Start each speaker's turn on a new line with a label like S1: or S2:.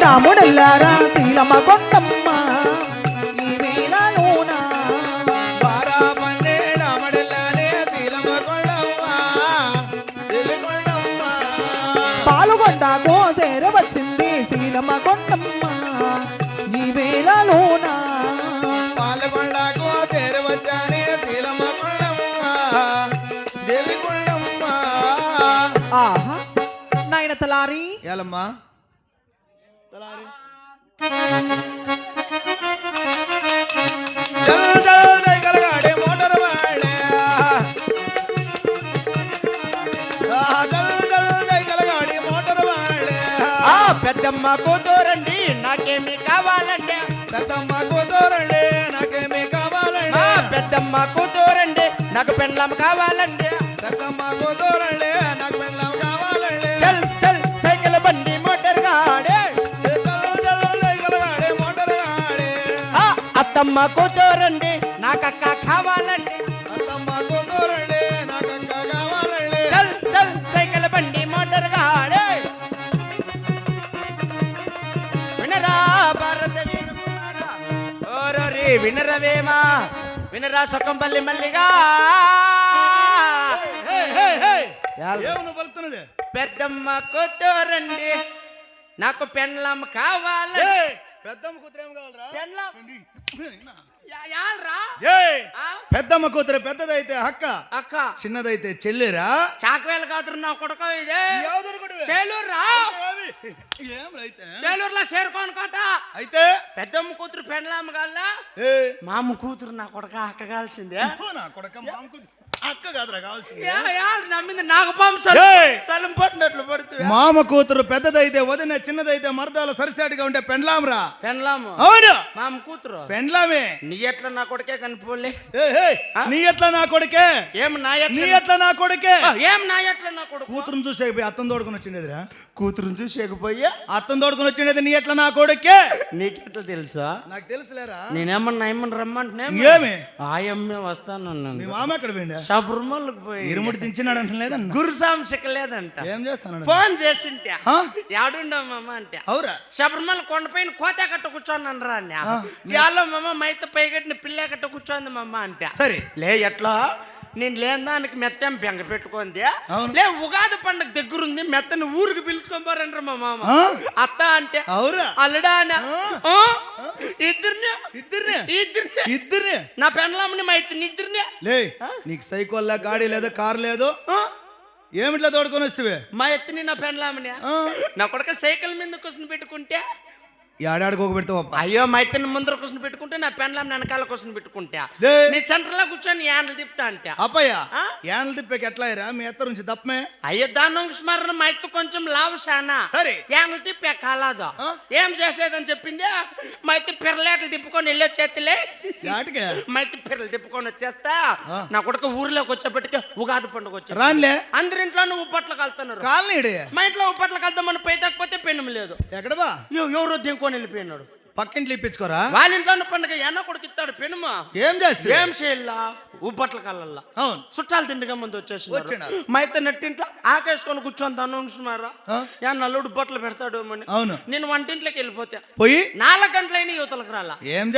S1: రాముడల్లారా శీలమ్మ కొండమ్మ ఈ వేళలోన
S2: బారాబండే రాముడల్లారే శీలమ్మ కొండమ్మ కొండమ్మ
S1: పాలుగొండకు చేర వచ్చింది శీలమ్మ కొండమ్మ ఈ వేళలోన
S2: పాలకొండకు చేరవచ్చానే శీలమ్మ కొండమ్మ దేవి కొండమ్మ.
S1: ఆహా నాయన తలారి
S2: ఏలమ్మా తలారి జల్ జల్ దైగలగాడే మోటార్ వాడే జల్ జల్ దైగలగాడే మోటార్ వాడే
S3: పెద్దమ్మ కూతురండి నాకేమి కావాలంటే
S2: పెద్దమ్మ కూతురండి నాకేమీ కావాలండి
S3: పెద్దమ్మ కూతురండి నాకు పెండ్లం కావాలండి
S2: పెద్దమ్మ కూతురండి నాకు పెళ్ళం కావాలండి
S3: చల్ చల్ సైకిల్ బండి మోటార్ గాడే
S2: జల్ జల్ దైగలగాడే మోటార్ వాడే
S3: అత్తమ్మ కూతురండి నాకక్క కావాలండి
S2: పెద్దమ్మ కూతురండి నాకు అక్క కావాలండి
S3: చల్ చల్ సైకిల్ బండి మోటార్ గాడే వినరా భారత వీరములారా. ఓరోరి వినరవేమా వినరా సొక్కంపల్లి మల్లిగా
S2: ఏమను పలుకుతున్నది
S3: పెద్దమ్మ కూతురండి నాకు పెండ్లం కావాలండి
S2: పెద్దమ్మ కూతురు ఏం కావాలరా
S3: పెండ్లం
S2: విన్నా?
S3: యాల్రా
S2: ఏయ్!
S3: ఆ?
S2: పెద్దమ్మ కూతురు పెద్దదైతే అక్క
S3: అక్క
S2: చిన్నదైతే చెల్లిరా
S3: చాకవేలు కాదురు నా కొడుకు ఇదే చేలూరురా
S2: ఏం రైతే
S3: చేలూరులో చేరుకోను కోట
S2: అయితే
S3: పెద్దమ్మ కూతురు పెండ్లామ్మ కాల్లా
S2: ఏ
S3: మామ కూతురు నా కొడుక అక్క కాల్సిందే
S2: నా కొడక మామ కూతురు అక్క కాదురా కావాల్సింది
S3: నమ్మింది నాగపాము
S2: ఏయ్!
S3: సలం పట్టినట్లు పడుతుంది
S2: మామ కూతురు పెద్దదైతే వదిన చిన్నదైతే మరదాలు సరిసాటిగా ఉంటే పెండ్లాంరా
S3: పెండ్లాము
S2: అవును
S3: మామ కూతురు
S2: పెండ్లామే
S3: నీ ఎట్లా నా కొడుకే కనిపోలే
S2: నీ ఎట్లా నా కొడుకే
S3: ఏం నా
S2: నీ
S3: ఎట్లా
S2: ఎట్లా నా కొడుకే
S3: ఏం నా ఎట్లా నా కొడుకు
S2: కూతురుని చూసేపోయి అత్తం తోడుకుని వచ్చిండేదిరా
S3: కూతురుని చూసేకపోయా
S2: అత్తం తోడుకుని వచ్చిండేది నీ ఎట్లా నా కొడుకే
S3: నీకెట్లా తెలుసా
S2: నాకు తెలుసులేరా
S3: నేనేమన్నా ఏమన్నా రమ్మంటే
S2: ఏమి
S3: ఆయమ్మే
S2: మీ
S3: వస్తానన్నాను
S2: మామ ఎక్కడ పోయిండా
S3: శబరిమలకు పోయి
S2: ఇరుముడి దించినాడు అంటే లేదన్న
S3: గురుసాంశక లేదంట
S2: ఏం చేస్తాను
S3: ఫోన్ చేసింటే యాడుండమ్మా అంటే
S2: అవురా
S3: శబరిమల కొండపైన కోత కట్ట కూర్చోన్నాను రా అన్న యాలో మమ్మ మైత పైగట్టిన పిల్ల కట్ట కూర్చోంది మమ్మ అంటే
S2: సరే
S3: లే ఎట్లా నేను లేని దానికి మెత్తం బెంగ పెట్టుకుంది
S2: అవును.
S3: లే ఉగాది పండుగ దగ్గరుంది మెత్తని ఊరికి పిలుచుకొని పోరంటారు మా మామ
S2: ఆ?
S3: అత్త అంటే
S2: అవురా
S3: అల్లుడా అన్న
S2: ఆ.
S3: ఇద్దరిని
S2: ఇద్దరినే
S3: ఇద్దరిని
S2: ఇద్దరినే
S3: నా పెండ్లామని మా ఇద్దరిని ఇద్దరిని
S2: లే నీకు సైకిల్ గాడి లేదు కారు లేదు ఏమిట్లా తోడుకొని వస్తువే
S3: మా ఎత్తుని నా పెండ్లామని నా కొడుక సైకిల్ మీద కూర్చుని పెట్టుకుంటే
S2: ఏడాడికి ఒక పెడతావు
S3: అయ్యో మా ఇద్దరిని ముందర కూర్చుని పెట్టుకుంటే నా పెండ్లాం వెనకాల కూర్చుని పెట్టుకుంటా
S2: లే.
S3: నీ సెంటర్లో కూర్చొని యాండ్లు తిప్పుతా అంటే
S2: అప్పయ్య
S3: ఆ?
S2: ఏళ్ళ తిప్పేకి ఎట్లా అయ్యరా మీ ఎత్తరు నుంచి తప్పమే
S3: అయ్యో దాని స్మరణ మా ఇత్తు కొంచెం లావు శానా
S2: సరే.
S3: యాండ్లు తిప్పే కాలాదు
S2: ఆ?
S3: ఏం చేసేదని చెప్పింది మా ఇత్తు పిర్రలేట్లు తిప్పుకొని వెళ్ళొచ్చేతిలే
S2: యాటికే
S3: మా ఇత్తు పిర్రలు తిప్పుకొని వచ్చేస్తా
S2: ఆ.
S3: నా కొడుకు ఊర్లోకి వచ్చేప్పటికే ఉగాది పండుగ వచ్చా
S2: రాన్లే
S3: అందరింట్లో నువ్వు ఉప్పట్లు కలుతున్నారు
S2: కాలనీడే
S3: మా ఇంట్లో ఉప్పట్లు కలుద్దామని పోయితే పెన్ను లేదు
S2: ఎక్కడ బా
S3: ఎవరో దింకొని వెళ్ళిపోయినాడు
S2: పక్కింట్లో ఇప్పించుకోరా
S3: వాళ్ళ ఇంట్లో పండుగ ఎన్న కొడుకు ఇస్తాడు పెనుమా
S2: ఏం చేస్తా
S3: ఏం చేయాల ఉప్పట్ల కళ్ళల్లా
S2: అవును
S3: చుట్టాలు తిండిగా ముందు వచ్చేసి
S2: వచ్చినారు.
S3: మా అయితే నెట్టింట్లో ఆకేసుకొని కూర్చొని తనుకున్నారా
S2: ఆ?
S3: యా నల్లుడు బట్టలు పెడతాడు అని
S2: అవును
S3: నేను వంటింట్లోకి వెళ్ళిపోతే
S2: పోయి
S3: 4 గంటలైన యువతలకు రాలా
S2: ఏం